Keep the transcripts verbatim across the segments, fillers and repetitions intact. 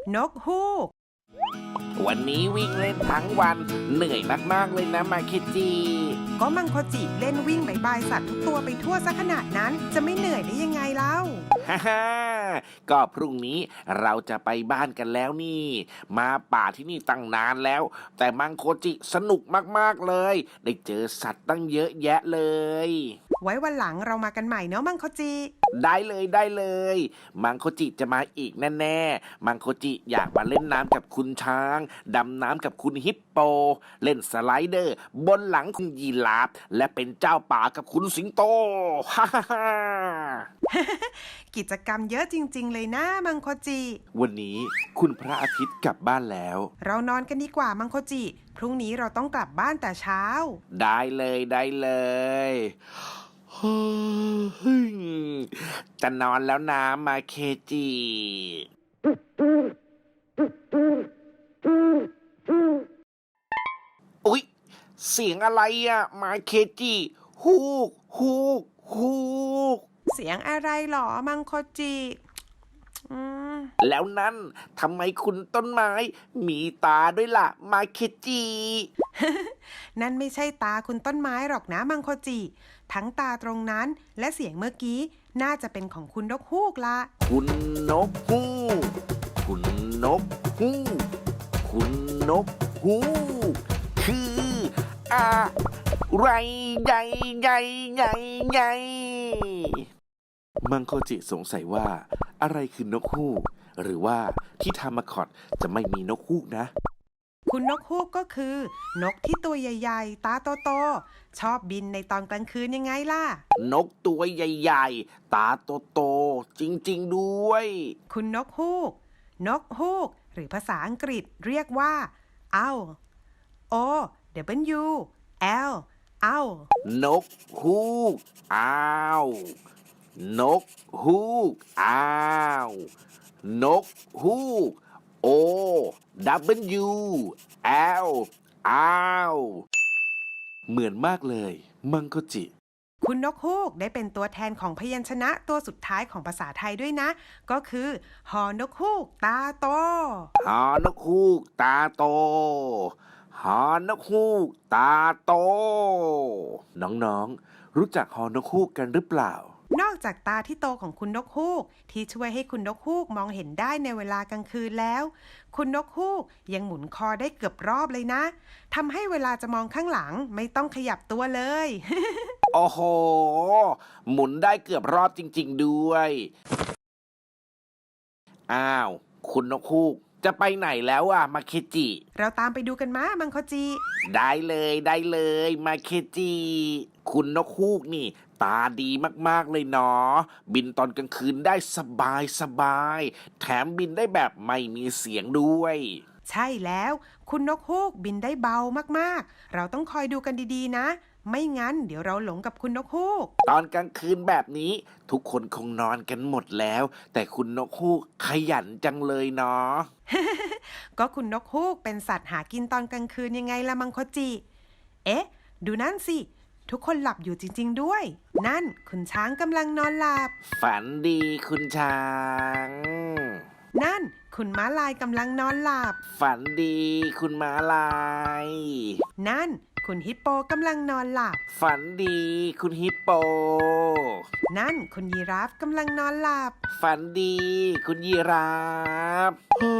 นกฮูกวันนี้วิ่งเล่นทั้งวันเหนื่อยมากๆเลยนะมาเคจิก็มังคจิเล่นวิ่งบายบายสัตว์ทุกตัวไปทั่วซะขนาดนั้นจะไม่เหนื่อยได้ยังไงเล่าฮ่าฮ่าก็พรุ่งนี้เราจะไปบ้านกันแล้วนี่ มาป่าที่นี่ตั้งนานแล้ว แต่มังโคจิสนุกมากๆเลย ได้เจอสัตว์ตั้งเยอะแยะเลยไว้วันหลังเรามากันใหม่เนาะมังคจิได้เลยได้เลย มังโคจิจะมาอีกแน่ๆมังโคจิอยากมาเล่นน้ำกับคุณช้างดำน้ำกับคุณฮิปโป เล่นสไลเดอร์ บนหลังคุณยีราฟและเป็นเจ้าป่ากับคุณสิงโต ฮ่าฮ่าฮ่ากิจกรรมเยอะจริงๆเลยนะมังคจิวันนี้คุณพระอาทิตย์กลับบ้านแล้วเรานอนกันดีกว่ามังคจิพรุ่งนี้เราต้องกลับบ้านแต่เช้าได้เลยได้เลยเฮ้ยจะนอนแล้วนะมาเคจิ อุ๊ยเสียงอะไรอะมาเคจิฮูกฮูกฮูกเสียงอะไรหรอมังคจิอืมแล้วนั่นทำไมคุณต้นไม้มีตาด้วยล่ะมาเคจินั่นไม่ใช่ตาคุณต้นไม้หรอกนะมังคจิ ทั้งตาตรงนั้นและเสียงเมื่อกี้น่าจะเป็นของคุณนกฮูกละคุณนกฮูกคุณนกฮูกคุณนกฮูกคืออะไรใหญ่ใหญ่ใหญ่ใหญ่มังโคจิสงสัยว่าอะไรคือนกฮูกหรือว่าที่ทามาคอตจะไม่มีนกฮูกนะคุณนกฮูกก็คือ นกที่ตัวใหญ่ๆ ตาโตๆชอบบินในตอนกลางคืนยังไงล่ะนกตัวใหญ่ๆ ตาโตๆจริงๆด้วยคุณนกฮูก นกฮูก หรือภาษาอังกฤษเรียกว่า owl o w l owl นกฮูกอ้าวนกฮูกอ้าวนกฮูก O W L อ้าวเหมือนมากเลยมังโคจิคุณนกฮูกได้เป็นตัวแทนของพยัญชนะตัวสุดท้ายของภาษาไทยด้วยนะ ก็คือหอนกฮูกตาโตหอนกฮูกตาโต หอนกฮูกตาโต น้องๆ รู้จักหอนกฮูกกันหรือเปล่านอกจากตาที่โตของคุณนกฮูกที่ช่วยให้คุณนกฮูกมองเห็นได้ในเวลากลางคืนแล้ว คุณนกฮูกยังหมุนคอได้เกือบรอบเลยนะทำให้เวลาจะมองข้างหลังไม่ต้องขยับตัวเลยโอ้โห หมุนได้เกือบรอบจริงๆด้วย อ้าว คุณนกฮูกจะไปไหนแล้วอะมาเคจิเราตามไปดูกันมามังคจิได้เลยได้เลยมาเคจิ คุณนกฮูกนี่ ตาดีมากๆเลยเนาะบินตอนกลางคืนได้สบายสบายแถมบินได้แบบไม่มีเสียงด้วยใช่แล้วคุณนกฮูกบินได้เบามากๆเราต้องคอยดูกันดีๆนะไม่งั้นเดี๋ยวเราหลงกับคุณนกฮูกตอนกลางคืนแบบนี้ ทุกคนคงนอนกันหมดแล้ว แต่คุณนกฮูกขยันจังเลยเนาะก็คุณนกฮูกเป็นสัตว์หากินตอนกลางคืนยังไงละมังคจิ เอ๊ะ ดูนั่นสิ ทุกคนหลับอยู่จริงๆด้วย นั่นคุณช้างกำลังนอนหลับฝันดีคุณช้างนั่นคุณม้าลายกำลังนอนหลับฝันดีคุณม้าลายนั่นคุณฮิปโปกำลังนอนหลับฝันดีคุณฮิปโปนั่นคุณยีราฟกำลังนอนหลับฝันดีคุณยีราฟ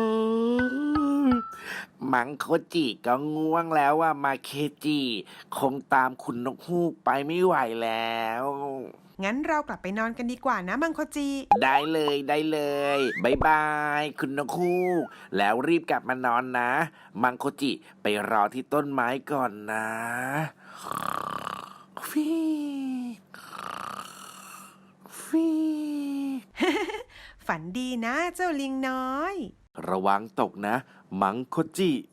มังโคจิก็ง่วงแล้วว่ามาเคจิคงตามคุณนกฮูกไปไม่ไหวแล้วงั้นเรากลับไปนอนกันดีกว่านะมังคจิได้เลยได้เลยบายบายคุณนกฮูกแล้วรีบกลับมานอนนะ มังโคจิไปรอที่ต้นไม้ก่อนนะฟีฟีฝันดีนะเจ้าลิงน้อยระวังตกนะ มังโคจิ